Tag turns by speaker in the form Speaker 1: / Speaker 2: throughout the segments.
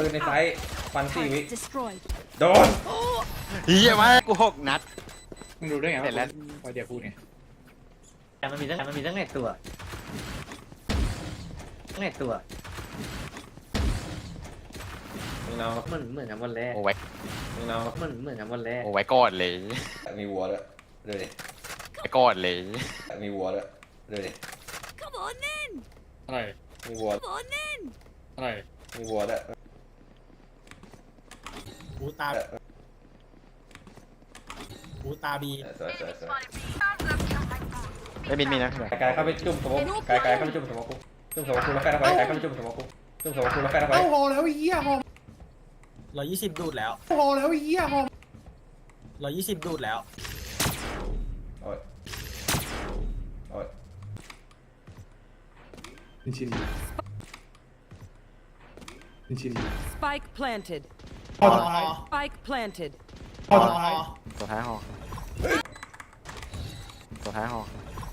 Speaker 1: นในไซส์ฟัน4 วิ
Speaker 2: Destroyed.
Speaker 1: โดน
Speaker 3: เฮียมากู6 นัด
Speaker 4: มึงรู้ได้ไง
Speaker 3: เสร็จแล้ว
Speaker 4: ว่าเดี๋ยวพูดไง
Speaker 5: แต่มันมีตั้งไหนตัวตั้งไหนตัว
Speaker 1: มึงเอา
Speaker 5: เหมือนกันวันแรก
Speaker 3: โอ้ไว้
Speaker 1: มึงเอา
Speaker 5: เหมือนกันวันแรก
Speaker 3: โอ้ไว้ก่อนเลย
Speaker 1: มีวัวด้วยดูดิ
Speaker 3: ไว้ก่อนเลย
Speaker 1: มีวัวด้วยดูดิ
Speaker 2: Come on then.
Speaker 4: อะไร
Speaker 1: มีวัว
Speaker 2: Come on then.
Speaker 4: อะไร
Speaker 1: มีวัวด้วย
Speaker 4: หูตาหูตาบี
Speaker 1: สวย
Speaker 3: ไม่มีนะ
Speaker 1: กายเข้าไปจุ่มสมองกายเข้าไปจุ่มสมองกูจุ่มสมองกูแล้วแฟนเอาไปกายเข้าไปจุ่มสมองกูจุ่มสมองกูแล้วแฟนเอาไป
Speaker 4: เอ้าฮอแล้วไอ้เหี้ยฮอ120ดูดแล้วฮอแล้วไอ้เหี้ยฮอ120ดูดแล้ว
Speaker 1: โอ้ยโอ้ย
Speaker 4: ชิน
Speaker 6: Spike planted.
Speaker 4: ฮอ
Speaker 6: Spike planted.
Speaker 4: ฮอ
Speaker 3: ตัวท้ายหอตัวท้ายหอ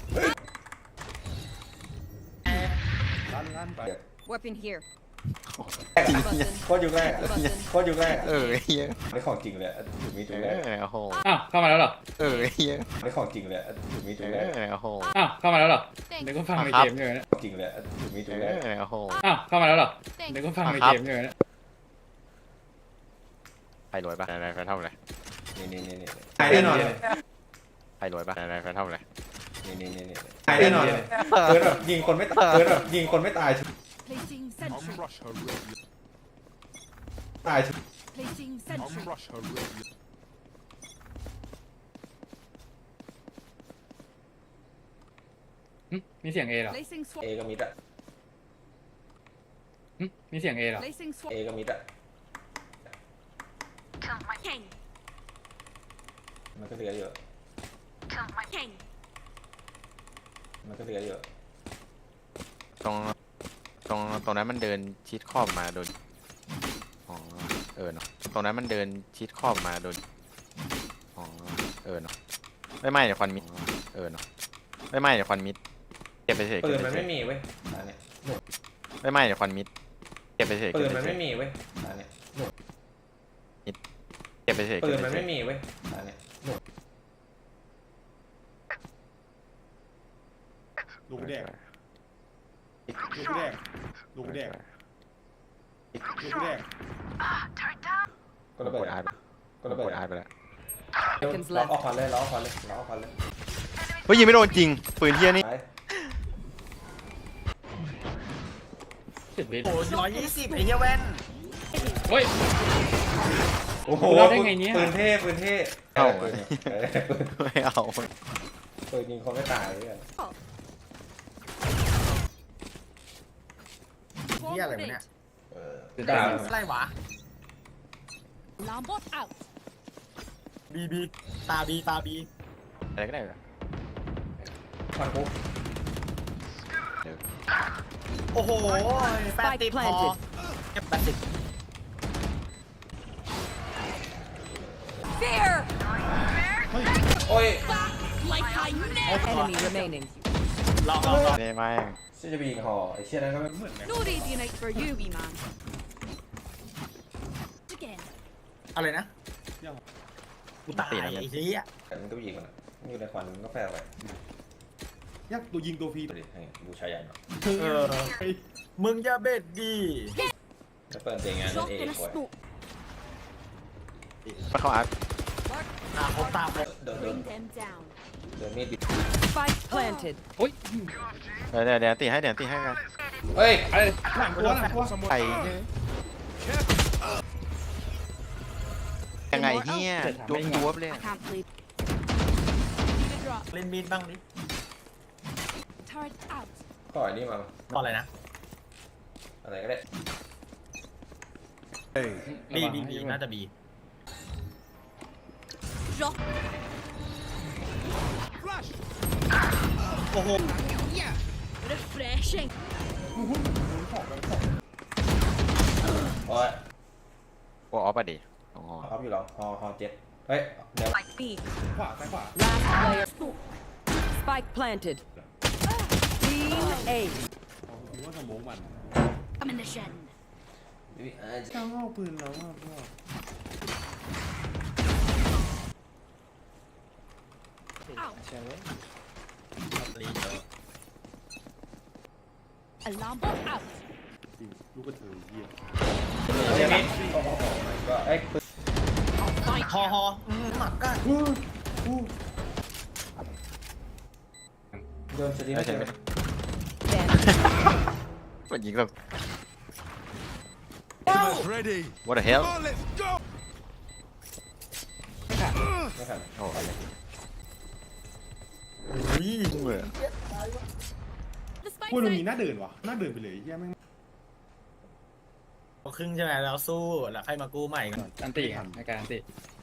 Speaker 1: ลั่นไป
Speaker 6: Weapon here.
Speaker 1: โคตรยุคแรกโคตรยุคแรก
Speaker 3: เฮีย
Speaker 1: ไม่ของจริงเลยถึงมีจุดแรก
Speaker 3: โอ้โห
Speaker 4: อ้าวเข้ามาแล้วเหรอ
Speaker 3: เฮีย
Speaker 1: ไม่ของจริงเลยถึงมีจุดแรก
Speaker 3: โอ้โห
Speaker 4: อ้าวเข้ามาแล้วเหรอเดี๋ยวก็ฟังในเกมอยู่นะ
Speaker 1: จริงเลยถึงมีจุดแรก
Speaker 3: โอ้โห
Speaker 4: อ้าวเข้ามาแล้วเหรอเดี๋ยวก็ฟังในเกมอยู่นะ
Speaker 3: ไปรวยปะไหนไปเท่าไหร่
Speaker 1: นี่
Speaker 4: แน่นอน
Speaker 3: ไปรวยปะไหนไปเท่าไหร่
Speaker 1: นี่แน่นอนเกิดแบบยิงคนไม่ตายเกิดแบบยิงคนไม่ตาย
Speaker 2: Placing sentry.
Speaker 1: ตาย
Speaker 2: Placing sentry.
Speaker 4: มีเสียงเอเหรอ
Speaker 2: Placing
Speaker 1: เอ
Speaker 2: swap.
Speaker 1: ก็มิดอะ
Speaker 4: มีเสียงเอเหรอ
Speaker 2: Placing swap.
Speaker 1: เอก็มิดอะ
Speaker 2: King.
Speaker 1: มันก็เหลือเยอะ
Speaker 2: King.
Speaker 1: มันก็เหลือเยอะ
Speaker 3: ตรงนั้นมันเดินชิดขอบมาโดนอ๋อเนาะตรงนั้นมันเดินชิดขอบมาโดนอ๋อเนาะไม่เดี๋ยวควันมิดเนาะไม่เดี๋ยวควันมิดเก็บไปเฉย
Speaker 1: ปืนมันไม่มีเว้ยอันเนี้ย
Speaker 3: ไม่เดี๋ยวควันมิดเก็บไปเฉย
Speaker 1: ปืนมันไม่มีเว้ยอันเนี้ย
Speaker 3: เก็บไปเฉย
Speaker 1: ปืนมันไม่มีเว้ยอันเนี้ย
Speaker 7: ลูกแดกลูกแดกลูกแดกลูกแดก
Speaker 1: ก็ระเบิด
Speaker 3: อาร์ต
Speaker 1: ก็ระเบิด
Speaker 3: อาร์ตไปแล้ว
Speaker 1: ล้อออกควันเลยล้อออกควันเลยล้อออกควันเลย
Speaker 3: เฮ้ยยิงไม่โดนจริงปืนเทียนี่
Speaker 4: 10 วิ
Speaker 7: โอ้120ไอ้เหี้ยแว่น
Speaker 4: เฮ้ย
Speaker 1: โอ้โห
Speaker 4: เราได้ไงเนี่ย
Speaker 1: ปืนเท่ปืนเท่
Speaker 3: เอา
Speaker 1: ปืนปืน
Speaker 3: ไม่เอา
Speaker 1: ปืนยิงคนไม่ตายเลย
Speaker 7: เหี้ยอะไรวะเนี่ย
Speaker 1: ตาม
Speaker 7: อะไรวะ
Speaker 2: Lambot out.
Speaker 7: บีตาบี
Speaker 3: อะไรก็ได้เลย
Speaker 1: ควันปุ๊บ
Speaker 7: โอ้โหแปดติดพอเก็บ80
Speaker 2: Fear.
Speaker 1: โอ้ย
Speaker 2: Like I never.
Speaker 6: Enemy remaining.
Speaker 7: ลอง
Speaker 3: นี่ไม่
Speaker 1: ชื่อจะบีงห่อไอ้เชี่ยนั้นก็ไม่
Speaker 2: No radiant for you, wee man. Again.
Speaker 7: อะไรนะกูตายไอ้เหี้ย
Speaker 1: แต่มันก็ยิงมันมันอยู่ในควันมันก็แฝงไป
Speaker 7: ยักตัวยิงตัวฟรี
Speaker 1: ดูดิดูชายใหญ่หน่อย
Speaker 7: มึงจะเบ็ดดี
Speaker 1: แล้วเปิดเตียงงานนั่
Speaker 2: Drop
Speaker 1: นเอง
Speaker 2: in a
Speaker 1: กว่า
Speaker 2: smoke.
Speaker 3: มันเข้าอาร์ต
Speaker 7: เขาตาม
Speaker 1: เดิน
Speaker 2: Bring them down.
Speaker 1: มีดบิด
Speaker 6: Spike planted.
Speaker 4: โอ้ย
Speaker 3: เดี๋ยวตีให้กัน
Speaker 1: เฮ้ย
Speaker 4: อะไร
Speaker 7: หลังตัว
Speaker 3: ไข่ยังไงเฮียจวบเลย
Speaker 2: I can't play. Need a drop.
Speaker 7: เล่นมีดบ้างดิ
Speaker 2: Turret out.
Speaker 1: ต่อยนี่มา
Speaker 7: ต่ออะไรนะ
Speaker 1: อะไรก็ได้
Speaker 7: บีน่าจะบี
Speaker 2: Drop.
Speaker 7: โอ้โห
Speaker 2: Refreshing.
Speaker 1: โอ้ย
Speaker 3: โอ้ออฟอะดิอ๋อ
Speaker 1: ออฟอยู่หรอฮอเจ็ดเฮ้ยเดี๋ยว
Speaker 6: B.
Speaker 7: ขวาซ้ายขวา
Speaker 6: Last player. Spike planted. Team A.
Speaker 7: ว่าสมองมัน
Speaker 2: I'm in the shed.
Speaker 7: จ้างเอาปืนแล้วอ่ะพ่อ
Speaker 4: รีเจอ
Speaker 2: Alarm bot out.
Speaker 7: จริงลูกกระเทยเหี้ย
Speaker 1: เดี๋ยวนะโอ้โหไอ้ปืน
Speaker 4: ฮอหมักกัน
Speaker 1: โดนสตีไม่เจอ
Speaker 3: มันยิงแบบ
Speaker 8: Ready.
Speaker 3: what the hell
Speaker 8: On, let's go.
Speaker 1: ไม่ทัน
Speaker 3: โอ้ย
Speaker 4: อุ้ย
Speaker 2: The spike
Speaker 7: พูดตรง
Speaker 2: site.
Speaker 7: นี้น่าเดินวะน่าเดินไปเลยเหี้ยแม่ง
Speaker 4: เอาครึ่งใช่ไหมแล้วสู้แล้วใครมากู้ใหม่กัน
Speaker 9: อันติครับในการอันติ